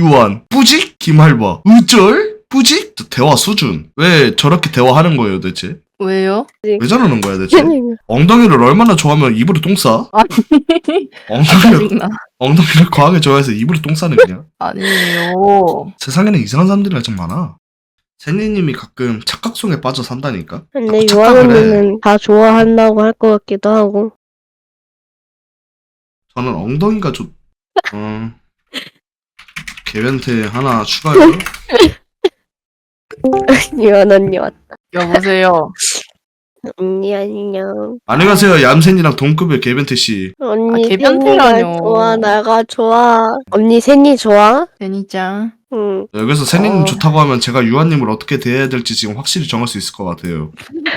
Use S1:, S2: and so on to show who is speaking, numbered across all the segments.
S1: 유한, 뿌직, 김할바, 으쩔, 뿌직, 대화 수준. 왜 저렇게 대화하는 거예요, 대체?
S2: 왜요?
S1: 왜 저러는 거야, 대체? 엉덩이를 얼마나 좋아하면 입으로 똥 싸?
S2: 짜증나.
S1: 엉덩이를 과하게 좋아해서 입으로 똥 싸는 그냥.
S2: 아니에요.
S1: 세상에는 이상한 사람들이 좀 많아. 세니님이 가끔 착각송에 빠져 산다니까.
S3: 근데
S1: 자꾸 착각을 해.
S3: 유아언니는 다 좋아한다고 할 것 같기도 하고.
S1: 저는 엉덩이가 개변태 하나 추가요.
S3: 유아언 언니 왔다.
S2: 여보세요.
S3: 언니 안녕.
S1: 안녕하세요, 얌센이랑 동급의 개변태 씨.
S3: 언니
S2: 개변태라뇨.
S3: 세니가 좋아, 나가 좋아. 언니 세니 좋아?
S2: 제니짱.
S3: 응.
S1: 여기서 세니님 좋다고 하면 제가 유한님을 어떻게 대해야 될지 지금 확실히 정할 수 있을 것 같아요.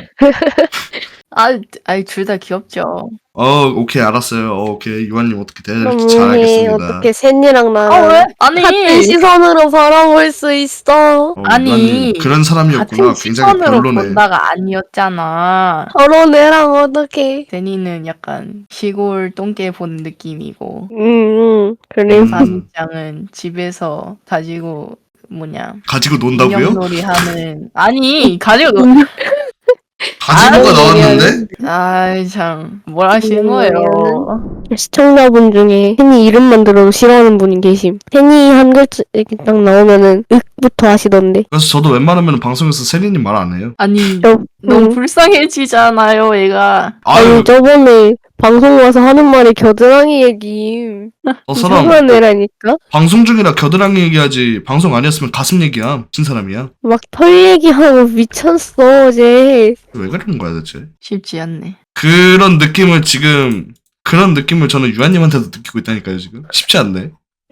S2: 둘 다 귀엽죠.
S1: 오케이, 알았어요. 오케이, 유한님 어떻게 대해야
S3: 그럼
S1: 될지 잘
S3: 언니
S1: 알겠습니다.
S3: 어떻게 세니랑 나랑
S2: 왜?
S3: 같은
S2: 아니,
S3: 시선으로 바라볼 수 있어?
S2: 아니,
S1: 유한님 그런 사람이었구나.
S2: 같은
S1: 굉장히
S2: 시선으로
S1: 별로네.
S2: 본다가 아니었잖아.
S3: 서로 애랑 어떡해?
S2: 제니는 약간 시골 똥개 본 느낌이고,
S3: 응. 그래.
S2: 사미짱은 집에서 가지고
S1: 가지고 논다고요?
S2: 인형놀이 하는 가지고
S1: 가지고가 나왔는데?
S2: 아이 참 뭘 하시는 거예요?
S3: 시청자분 중에 세니 이름만 들어도 싫어하는 분이 계심. 세니 한 글자 이렇게 딱 나오면은 윽부터 하시던데.
S1: 그래서 저도 웬만하면 방송에서 세니님 말 안 해요.
S2: 아니
S3: 저,
S2: 너무
S3: 응.
S2: 불쌍해지잖아요 얘가.
S1: 아유,
S3: 저번에 방송 와서 하는 말이 겨드랑이 얘기.
S1: 저 사람
S3: 이상한 애라니까?
S1: 방송 중이라 겨드랑이 얘기하지 방송 아니었으면 가슴 얘기야. 친 사람이야.
S3: 막 털 얘기하고 미쳤어, 어제.
S1: 왜 그러는 거야 대체?
S2: 쉽지 않네.
S1: 그런 느낌을 저는 유한님한테도 느끼고 있다니까요 지금. 쉽지 않네.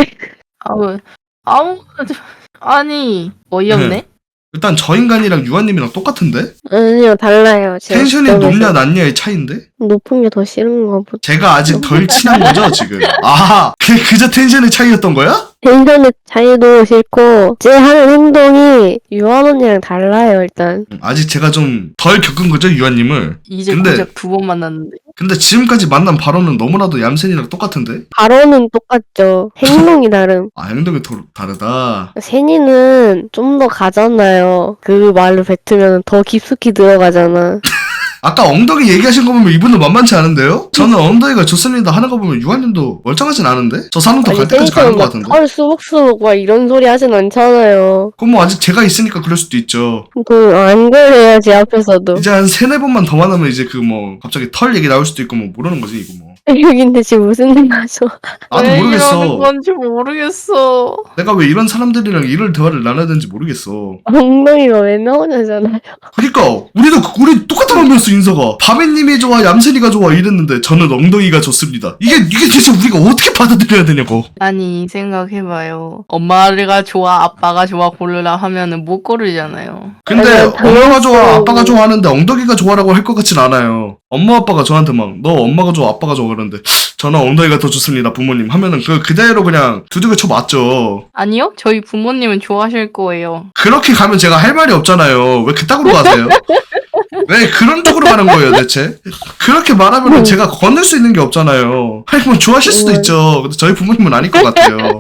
S2: 아무 아니 어이없네.
S1: 일단 저 인간이랑 유한님이랑 똑같은데?
S3: 아니요, 달라요. 제가
S1: 텐션이
S3: 그때보다
S1: 높냐 낮냐의 차이인데?
S3: 높은 게 더 싫은가 보다.
S1: 제가 아직 덜 친한 거죠 지금? 아, 그저 텐션의 차이였던 거야?
S3: 텐션의 차이도 싫고, 제 하는 행동이 유한 언니랑 달라요, 일단.
S1: 아직 제가 좀 덜 겪은 거죠 유한님을.
S2: 이제
S1: 근데-
S2: 고작 2번 만났는데.
S1: 근데 지금까지 만난 바로는 너무나도 얌센이랑 똑같은데?
S3: 발언은 똑같죠. 행동이 다름.
S1: 아, 행동이 다르다.
S3: 세니는 좀 더 가잖아요. 그 말을 뱉으면 더 깊숙이 들어가잖아.
S1: 아까 엉덩이 얘기하신 거 보면 이분도 만만치 않은데요? 저는 엉덩이가 좋습니다 하는 거 보면 유한님도 멀쩡하진 않은데? 저 사람도 갈 때까지 가는 거
S3: 막
S1: 같은데?
S3: 털 수북수북 막 이런 소리 하진 않잖아요.
S1: 그럼 뭐 아직 제가 있으니까 그럴 수도 있죠.
S3: 안 그래야지 앞에서도.
S1: 이제 한 3-4번만 더 만나면 이제 갑자기 털 얘기 나올 수도 있고 모르는 거지 이거 뭐.
S3: 여긴데 지금 무슨 일 하죠?
S1: 나도
S2: 왜
S1: 모르겠어.
S2: 이러는 건지 모르겠어.
S1: 내가 왜 이런 사람들이랑 이럴 대화를 나눠야 되는지 모르겠어.
S3: 엉덩이가 왜 나오냐잖아요.
S1: 그러니까 우리 똑같은 놈이었어 인서가. 바비님이 좋아 얌센이가 좋아 이랬는데 저는 엉덩이가 좋습니다. 이게 대체 우리가 어떻게 받아들여야 되냐고.
S2: 아니 생각해봐요. 엄마가 좋아 아빠가 좋아 고르라 하면은 못 고르잖아요.
S1: 근데
S3: 아니요,
S1: 엄마가 좋아
S3: 당연히.
S1: 아빠가 좋아하는데 엉덩이가 좋아라고 할 것 같진 않아요. 엄마 아빠가 저한테 막 너 엄마가 좋아 아빠가 좋아 그러는데 저는 엉덩이가 더 좋습니다 부모님 하면은 그대로 그냥 두들겨 쳐 맞죠.
S2: 아니요? 저희 부모님은 좋아하실 거예요.
S1: 그렇게 가면 제가 할 말이 없잖아요. 왜 그따구로 가세요? 왜 그런 쪽으로 가는 거예요 대체? 그렇게 말하면 제가 건널 수 있는 게 없잖아요. 아니 뭐 좋아하실 수도 있죠. 근데 저희 부모님은 아닐 것 같아요.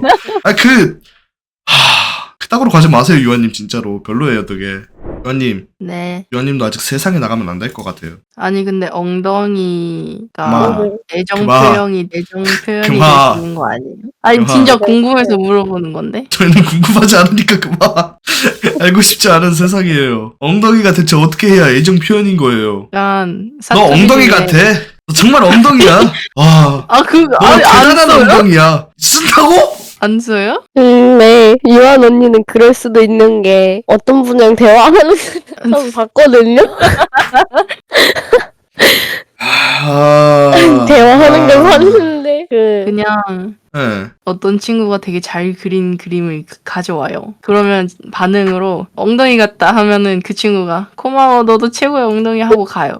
S1: 그따구로 가지 마세요 유한님 진짜로 별로예요 되게. 유한님
S2: 네.
S1: 유한님도 아직 세상에 나가면 안 될 것 같아요.
S2: 아니 근데 엉덩이가
S1: 그만.
S2: 애정
S1: 그만.
S2: 표현이 되시는
S1: 그만.
S2: 거 아니에요? 아니
S1: 그만.
S2: 진짜 궁금해서 물어보는 건데.
S1: 저희는 궁금하지 않으니까 그만. 알고 싶지 않은 세상이에요. 엉덩이가 대체 어떻게 해야 애정 표현인 거예요?
S2: 약간
S1: 너 엉덩이 같아. 너 정말 엉덩이야. 와. 너 대단한
S2: 써요?
S1: 엉덩이야. 쓴다고?
S2: 안 써요?
S3: 네. 유한 언니는 그럴 수도 있는 게 어떤 분이랑 대화하는 거 봤거든요? 대화하는 걸 봤는데
S2: 그냥
S1: 네.
S2: 어떤 친구가 되게 잘 그린 그림을 가져와요. 그러면 반응으로 엉덩이 같다 하면은 그 친구가 고마워 너도 최고의 엉덩이 하고 가요.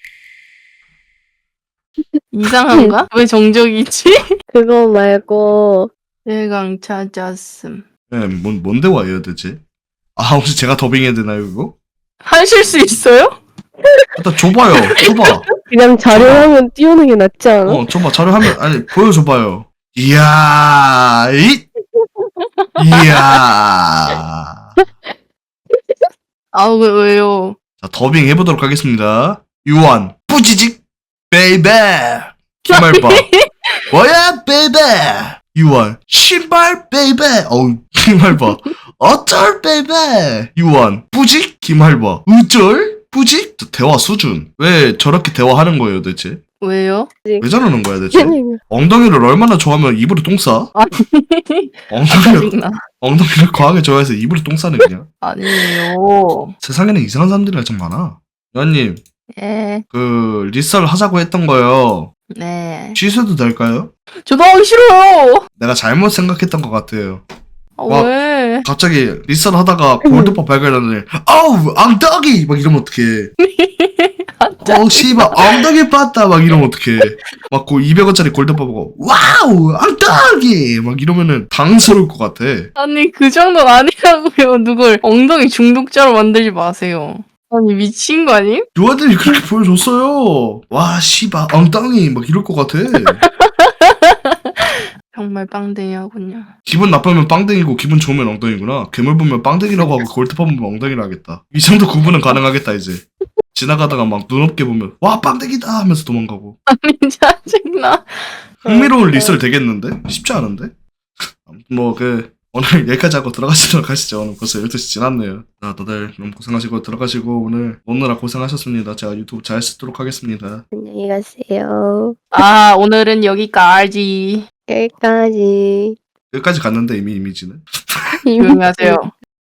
S2: 이상한가? 왜 정적이지?
S3: 그거 말고
S2: 대강 찾았음.
S1: 네, 뭔 대화예요 대체? 아 혹시 제가 더빙해야 되나요 이거?
S2: 하실 수 있어요?
S1: 일단 줘봐요. 줘봐.
S3: 그냥 자료하면 띄우는 게 낫지 않아?
S1: 줘봐. 자료 하면 아니 보여줘봐요. 이야 이 이야.
S2: 아, 왜요?
S1: 자, 더빙 해보도록 하겠습니다. 유한, 뿌지직, 베이베. 기말봐. 뭐야, 베이베. 유한, 신발, 베이베. 어우, 기말봐. 어쩔, 베이베. 유한, 뿌직, 기말봐. 어쩔, 뿌직. 저 대화 수준. 왜 저렇게 대화하는 거예요, 대체?
S2: 왜요?
S1: 왜 저러는 거야, 대체? 엉덩이를 얼마나 좋아하면 입으로 똥 싸? 엉덩이를,
S2: 짜증나.
S1: 엉덩이를 과하게 좋아해서 입으로 똥 싸는 그냥.
S2: 아니에요.
S1: 세상에는 이상한 사람들이 참 많아. 유한님,
S2: 예,
S1: 그 리썰 하자고 했던 거요.
S2: 네.
S1: 취소도 될까요?
S2: 저도 하기 싫어요.
S1: 내가 잘못 생각했던 것 같아요.
S2: 아,
S1: 와.
S2: 왜?
S1: 갑자기 리썰 하다가 골드팝 발견하더니 어우 엉덩이 막 이러면 어떡해. 어우 씨발 엉덩이 봤다 막 이러면 어떡해. 막 그 200원짜리 골드팝 보고 와우 엉덩이 막 이러면은 당스러울 것 같아.
S2: 아니, 그 정도는 아니라고요. 누굴 엉덩이 중독자로 만들지 마세요. 아니, 미친 거 아님?
S1: 요아들이 그렇게 보여줬어요. 와 씨발 엉덩이 막 이럴 것 같아.
S2: 정말 빵댕이하군요.
S1: 기분 나쁘면 빵댕이고 기분 좋으면 엉덩이구나. 괴물 보면 빵댕이라고 하고 골드팝 보면 엉덩이라 하겠다. 이 정도 구분은 가능하겠다 이제. 지나가다가 막 눈없게 보면 와 빵댕이다 하면서 도망가고.
S2: 아니, 짜증나.
S1: 흥미로운 리썰 되겠는데? 쉽지 않은데? 아무튼 뭐 오늘 여기까지 하고 들어가시도록 하시죠. 오늘 벌써 12시 지났네요. 자 다들 너무 고생하시고 들어가시고 오늘 오느라 고생하셨습니다. 제가 유튜브 잘 쓰도록 하겠습니다.
S3: 안녕히 가세요.
S2: 아, 오늘은 여기까지.
S3: 여기까지.
S1: 여기까지 갔는데 이미 이미지는.
S2: 조용히 하세요.